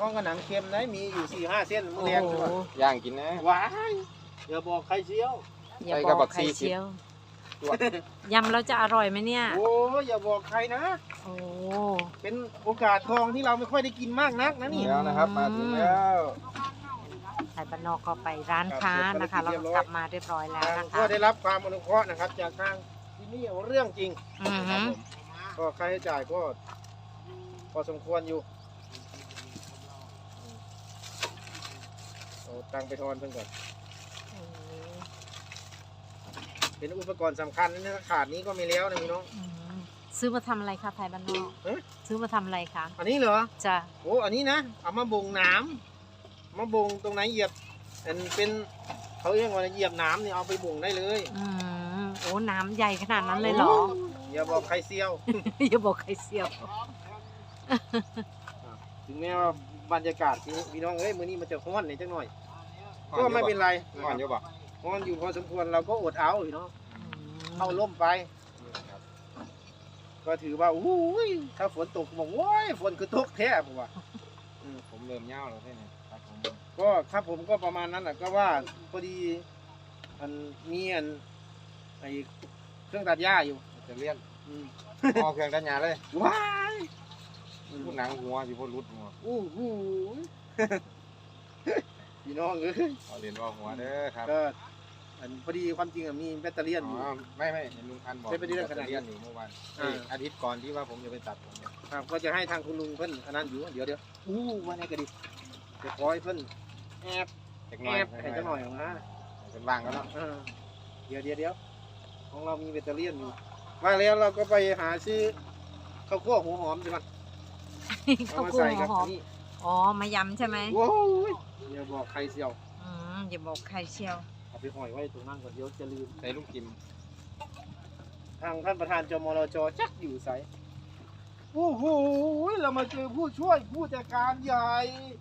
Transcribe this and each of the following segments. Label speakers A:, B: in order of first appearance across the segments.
A: ข้องกับหนังเค็มนะมีอยู่4-5 เส้นมื้อแรก
B: ย่างกินนะ
A: ว้ายอย่าบอกใครเชียว
C: อย่าบอกใครเชียวยำเราจะอร่อยไหมเนี่ย
A: โอ้อย่าบอกใครนะ
C: โอ้
A: เป็นโอกาสทองที่เราไม่ค่อยได้กินมากนักนะนี่
B: แล้วนะครับมาถึงแล้ว
C: ไทยบ้านนอกก็ไปร้านค้านะคะแล้วก็กลับมาเรียบร้อยแล้วนะคะ
A: ก็ได้รับความอนุเคราะห์นะครับ จากทางที่นี่เรื่องจริง
C: อือหือ
A: ก็ค่าใช้จ่ายก็พอสมควรอยู่เอาตังค์ไปทอนเพิ่งก่อนเป็นอุปกรณ์สำคัญนะขาดนี้ก็ไม่แล้วนะพี่น้อง
C: ซื้อมาทำอะไรคะไทยบ้านนอก
A: เอ๊ะ
C: ซื้อมาทำอะไรคะ
A: อันนี้เหรอ
C: จ้ะ
A: โอ้อันนี้นะเอามาบ่งน้ำมาบ่งตรงไหนเหยียบอันเป็นเขาเรียกว่าเหยียบน้ำเนี่ยเอาไปบ่งได้เลย
C: โอ้น้ำใหญ่ขนาดนั้นเลยเหรอ
A: อย่าบอกใครเซียว
C: อย่าบอกใครเสียว
A: ถึงแม้ว่าบรรยากาศที่พี่น้องเอ้ยมื้อนี้มันจะร้อนนิดจังหน่อย ก็ไม่เป็นไร
B: ก่อนเยอะป่ะ
A: ร้อนอยู่พอสมควรเราก็อดเอาพี่น้องเข้าร่มไป ก็ถือว่าอู้ยถ้าฝนตกบอกโอ้ยฝนคือตกแท้ผมว่า
B: ผมเริ่มเน่าแล้วใช่ไหมครับผม
A: ก็ครับผมก็ประมาณนั้นแหละก็ว่าพอดีอันมีอันไอเครื่องตัดหญ้าอยู่
B: จะเลี่ยน
A: อืม
B: พอเครื่องดันยาเลย
A: ว้าย
B: พูดหนังหัวสิพูดรุดหัว
A: อู้หู พี่น้องเอ้ย
B: เอาเรียนว่าหัวเด้อครับ
A: ก็อันพอดีความจริงอะมีแบตเตอรี่อยู่
B: ไม่เห็นลุงพันบอก
A: ใช้ไปเรื่อยๆขนาดนี้
B: เลี่ยนอยู่เมื่อวานอาทิตย์ก่อนที่ว่าผมจะไปตัดผมเนี่ย
A: ครับก็จะให้ทางคุณลุงเพิ่นอันนั้นอยู่เดี๋ยวอู้ว่าไงก็ดีจะคอยเพิ่นแอบ
B: เล็ก
A: แอ
B: น้อย
A: บให้เจ้าหน่อยของนะ
B: เป็นวางกันแล้ว
A: เดี๋ยวของเรามีแบตเตอรี่อยู่ว่าแล้วเราก็ไปหาซื้อข้าวคั่วหัวหอมใช่ไหม
C: ข้าว
A: มา
C: คั่ว
A: ใส่
C: หั
A: กั
C: วหอม
A: นี่
C: อ๋อมายำใช่ไหม
A: โอ้ยอย่าบอกใครเสียว
C: อย่าบอกใครเชียว
A: เอาไปห่อยไว้ตรงนั้นก่อนเดี๋ยวจะลืม
B: ใส่ลูกกิม
A: ทางท่านประธานจมรจจักอยู่ใสโอ้โหเรามาเจอผู้ช่วยผู้จัดการใหญ่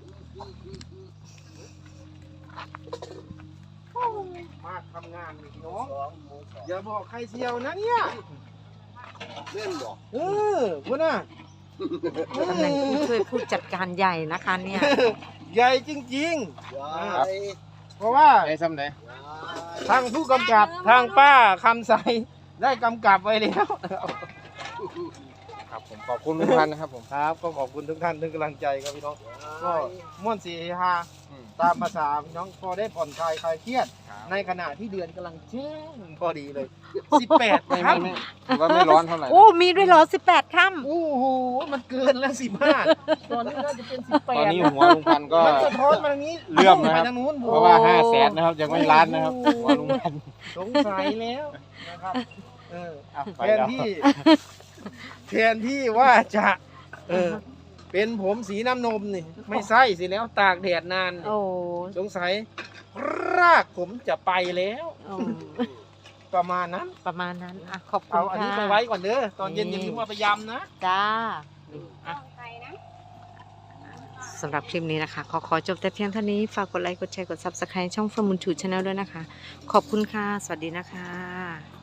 A: โอ้ยมาทำงานนี่พี่น้องอย่าบอกใครเชียวนะเนี่ย
B: เล่นบอก
A: พุ่นน่ะ
C: ตำแหน่งผู้ช่วยผู้จัดการใหญ่นะคะเนี่ย
A: ใหญ่จริงๆเพราะว่า
B: ไอ้ซ้ำไหน
A: ทางผู้กำกับทางป้าคำใสได้กำกับไว้แล้ว
B: ครับผมขอบคุณลุงพันนะครับผม
A: ครับก็ขอบคุณทุกท่านทุกกำลังใจครับพี่น้องก็ม่วนสีฮาตามภาษาพี่น้องพอได้ผ่อนคลายคลายเครียด ในขณะที่เดือนกำลังแจ้งพอดีเลย 18
B: ไม่
A: ครับ
B: ถือว่าไม่ร้อนเท่าไหร่
C: โอ้ มีด้วยเหรอ18 ค่ำ
A: โอ้โหมันเกินแล้ว15ตอนนี้น่าจะเป็น18
B: ตอนนี้หัวลุงพันก็
A: มันสะท้อนมาทางนี้
B: เลื่อมนะครับ
A: ไปทางนู้น
B: เพราะว่า500,000นะครับยังไม่ล้านนะครับหัวลุงพัน
A: สงสัยแล้วนะครับแทน
B: แล้ว
A: ที่ว่าจะเป็นผมสีน้ำนมนี่ไม่ใช่สิแล้วตากแดดนานนี่
C: โอ้
A: สงสัยรากผมจะไปแล้ว
C: โอ้
A: ประมาณนั้น
C: ประมาณนั้นอ่ะขอบคุ
A: เอา
C: ณ
A: อัน
C: ค่ะ
A: นี้ไปไว้ก่อนเด้อตอนเย็นอย่าลืมเอาไปยำนะ
C: จ้าสำหรับคลิปนี้นะคะ ขอจบแต่เพียงเท่านี้ ฝากกดไลค์ กดแชร์ กด Subscribe ช่อง From Moon To Channel ด้วยนะคะ ขอบคุณค่ะ สวัสดีนะคะ